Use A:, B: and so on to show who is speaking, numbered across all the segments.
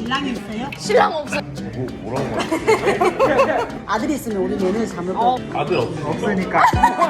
A: 신랑이 있어요?
B: 신랑 없어요.
C: 뭐라고 말해?
A: 아들이 있으면 우리 며느리 잠을 거.
C: 아들 없으니까.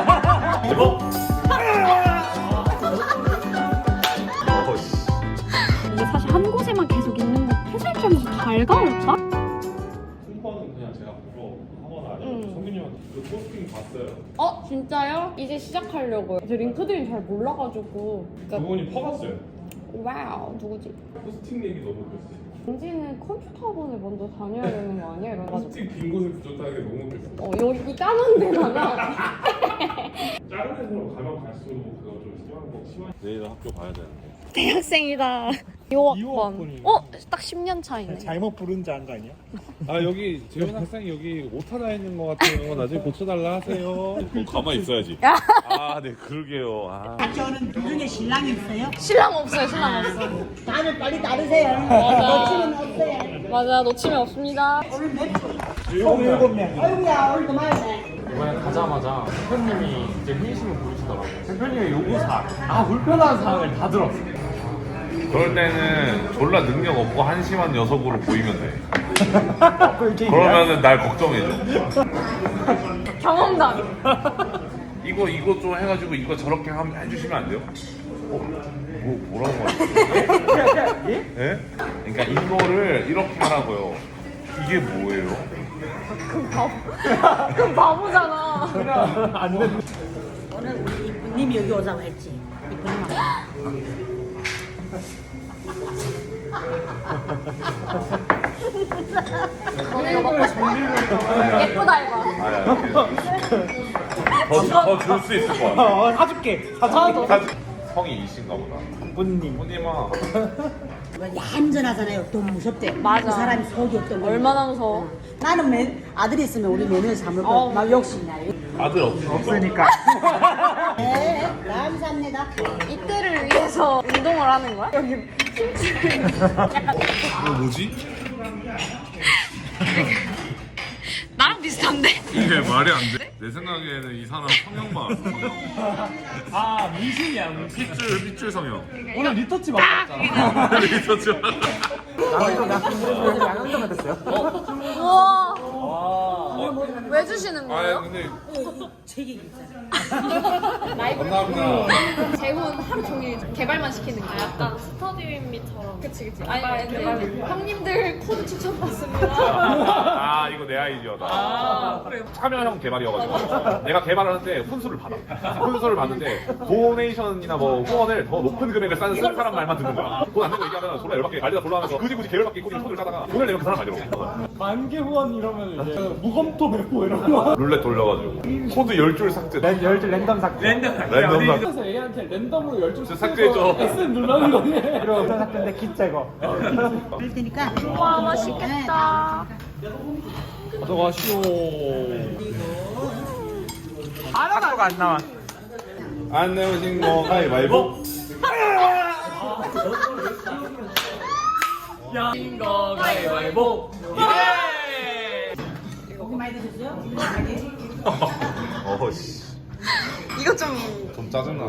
B: 이게 사실 한 곳에만 계속 있는 거 해수욕장에서 달가울까?
D: 홍보는 그냥 제가 보러 하거나 아니면 성균님한테 그 포스팅 봤어요.
B: 진짜요? 이제 시작하려고요. 제 링크드인 잘 몰라가지고.
D: 그분이 퍼갔어요.
B: 와우, 누구지?
D: 포스팅 얘기 너무 웃겼어요.
B: 은지는 컴퓨터 학원을 먼저 다녀야 되는 거 아니야? 이래가지고.
D: 포스팅 빈 곳을 부족하게 너무 웃겼어요.
B: 여기 까만 데다가.
D: 작은 데서 가면 갈수록 그거 좀 심한. 내일 학교 가야 되는데.
B: 대학생이다. 2학번. 딱 10년 차이네.
E: 잘못 부른 줄 안 거 아니야?
D: 아 여기 재현 학생이 여기 오타 나 있는 것 같아요. 나중에 고쳐달라 하세요. 가만히 있어야지. 아 네 그러게요. 아.
A: 같이 오는 중에 신랑이 있어요?
B: 신랑 없어요, 신랑 없어요.
A: 다들 빨리 따르세요.
B: 맞아.
A: 놓치면 없어요.
B: 맞아, 놓치면 없습니다.
A: 오늘 몇 분?
E: 7명.
A: 아이고야, 오늘도 많네.
F: 이번에 가자마자 대표님이 이제 회의심을 보이시더라고요. 대표님의 요구사항, 불편한 사항을 다 들었어요.
C: 그럴 때는 졸라 능력 없고 한심한 녀석으로 보이면 돼. 그러면은 날 걱정해줘.
B: 경험담.
C: 이거 좀 해가지고 이거 저렇게 해주시면 안 돼요? 뭐라고 말해? 예? 그러니까 이거를 이렇게 하라고요. 이게 뭐예요?
B: 그럼 바보잖아.
A: 오늘 우리 이쁜님이 여기 오자고 했지. 이쁜님하고.
B: 너네 이거 먹고 싶어? 예쁘다, 이거.
C: 더 줄 수 있을 것 같아.
E: 사줄게.
C: 성이 이신가 보다.
E: 부님.
C: 부님아.
A: 얌전하잖아요. 돈 무섭대.
B: 맞아.
A: 그 사람이 속이 없던 거.
B: 얼마나 무서워.
A: 나는 아들이 있으면 우리 며느리 잠을 거. 막 욕심나.
C: 아들 없으니까.
A: 네, 감사합니다.
B: 이때를 위해서 운동을 하는 거야? 여기 약간
C: 이거 뭐지?
B: 나랑 비슷한데?
C: 이게 말이 안 돼. 내 생각에는 이 사람 성형만 알아.
F: 미신이야.
C: 핏줄 성형.
F: 오늘 리터치 맞았잖아.
C: 리서치.
E: 양현종 됐어요?
B: 우와. 왜 주시는
C: 아
B: 거예요?
C: 근데
A: 책이 있잖아.
C: 감사합니다.
B: 재훈 하루 종일 개발만 시키는 거야. 약간 스터디윈미처럼. 그치. 아니, 근데 형님들 코드 추천받습니다.
C: 아 이거 내 아이디어다. 참여형 개발이어가지고 내가 개발을 하는데 훈수를 받아. 훈수를 받는데 도네이션이나 뭐 후원을 더 높은 금액을 쌓는 사람 말만 듣는 거야. 돈 안 내고 얘기하면 졸라 열받게 난리가 졸라하면서 굳이 계열받게 입고 손을 짜다가 돈을 내면 그 사람 말이라고.
F: 만개 후원 이러면 이제 무검토 메고 이런 거.
C: 룰렛 돌려가지고 코드 10줄 삭제.
E: 열줄 랜덤 삭제.
C: 랜덤 삭제.
F: 그래서 얘한테 랜덤으로 12줄
C: 삭제해줘.
F: SM 눌러는 거니.
E: 이런 삭제인데 기 제거.
A: 그럴 테니까.
B: 와, 맛있겠다.
D: 가져가시오.
E: 하나가 안 나와.
C: 안 내오신 거 가위바위보.
F: 인거 가위바위보.
A: 고기 많이 드셨어요?
C: 어씨.
B: 이거 좀
C: 짜증나.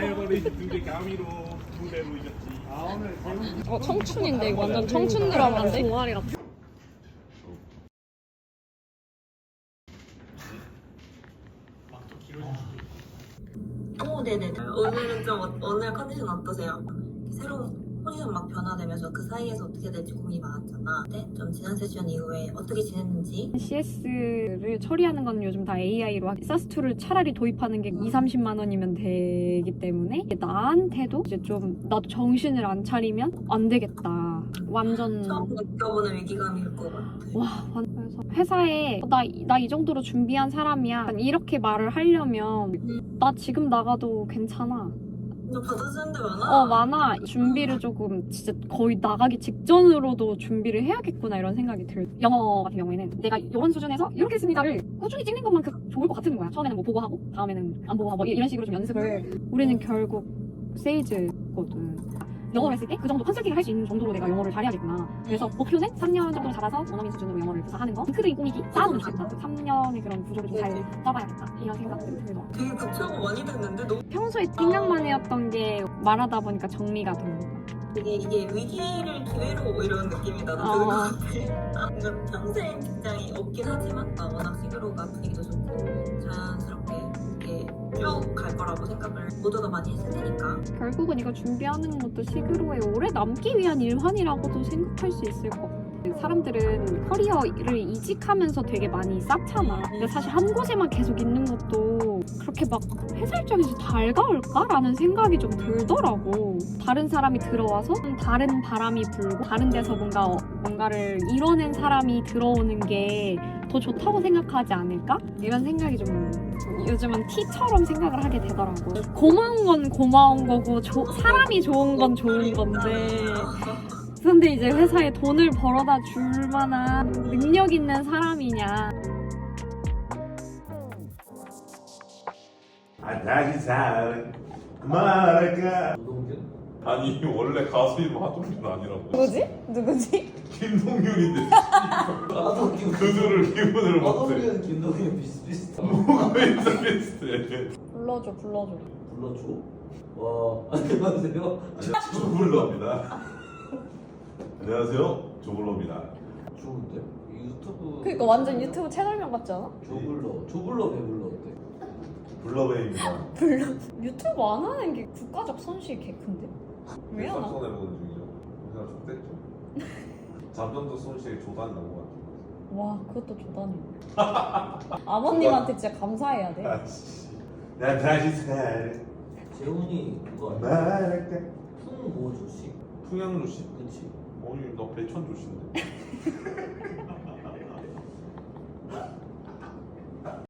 B: 청춘인데 이거 완전 청춘 드라마인데? 동아리 같아.
G: 네네네. 오늘은 오늘 컨디션 어떠세요? 새로운 포지션 막 변화되면서 그 사이에서 어떻게 될지 고민이 많았잖아. 근데 좀 지난 세션 이후에 어떻게 지냈는지.
B: CS를 처리하는 건 요즘 다 AI로 사스2를 차라리 도입하는 게 2~30만 원이면 되기 때문에 나한테도 이제 좀 나도 정신을 안 차리면 안 되겠다. 완전
G: 처음 느껴보는 위기감일 것 같아.
B: 그래서 회사에 나 이 정도로 준비한 사람이야 이렇게 말을 하려면 나 지금 나가도 괜찮아.
G: 너 받아주는 데 많아?
B: 많아. 준비를 조금 진짜 거의 나가기 직전으로도 준비를 해야겠구나 이런 생각이 들. 영어 같은 경우에는 내가 이런 수준에서 이렇게 했습니다를 꾸준히 찍는 것만큼 좋을 것 같은 거야. 처음에는 뭐 보고하고 다음에는 안 보고하고 뭐 이런 식으로 좀 연습을. 우리는 결국 세일즈거든. 영어를 했을 때 그 정도 컨설팅을 할 수 있는 정도로 내가 영어를 잘해야겠구나. 그래서 목표는 3년 정도 잡아서 원어민 수준으로 영어를 하는 거. 링크드인 꾸미기 쌓아두면 좋겠다. 3년의 그런 구조를 좀 잘 짜봐야겠다. 이런 생각들이 들어.
G: 되게 급하고 많이 됐는데 너
B: 평소에 생각만 해왔던 게 말하다 보니까 정리가 된 거야.
G: 되게 이게 위기를 기회로 이런 느낌이 나도 드는 것 같아. 뭔가 평생 직장이 없긴 하지만 워낙 시그로가 분위기도 좋고 자연스럽게 이렇게 쭉 갈 거라고 생각을 모두가 많이 했을 테니까.
B: 결국은 이거 준비하는 것도 시그로에 오래 남기 위한 일환이라고도 생각할 수 있을 것 같아. 사람들은 커리어를 이직하면서 되게 많이 쌓잖아. 근데 사실 한 곳에만 계속 있는 것도 그렇게 막 회사 입장에서 달가울까라는 생각이 좀 들더라고. 다른 사람이 들어와서 다른 바람이 불고 다른 데서 뭔가를 이뤄낸 사람이 들어오는 게 더 좋다고 생각하지 않을까? 이런 생각이 좀 요즘은 티처럼 생각을 하게 되더라고. 고마운 건 고마운 거고 사람이 좋은 건 좋은 건데 근데 이제 회사에 돈을 벌어다 줄 만한 능력 있는 사람이냐.
D: 다시 살 그만할까. 아니 원래 가수 이름 하동균 아니라고.
B: 누구지?
D: 김동균인데 그들을 기분을 못해.
H: 김동현 비슷비슷.
D: 뭐가 비슷비슷해.
B: 불러줘.
H: 불러줘. 와 안녕하세요.
D: 조블러입니다. 안녕하세요, 조블러입니다.
H: 좋은데? 유튜브.
B: 그러니까 완전 유튜브 채널명 같지 않아?
H: 조블러 배불러 어때?
D: 블러베입니다.
B: 유튜브 안 하는 게 국가적 손실 개 큰데? 왜 안 하?
C: 손해보는 중이죠. 그냥 좋댔죠. 잠정적 손실이 조단 넘어갔죠.
B: 와 그것도 조단이네. 아버님한테 진짜 감사해야 돼.
D: 난 다시 살
H: 재훈이 그거 아니야?
D: 그만할까.
H: 풍뭐 조씨?
C: 풍양조 씨?
H: 그치?
C: 어이 너 배천 조씨인데.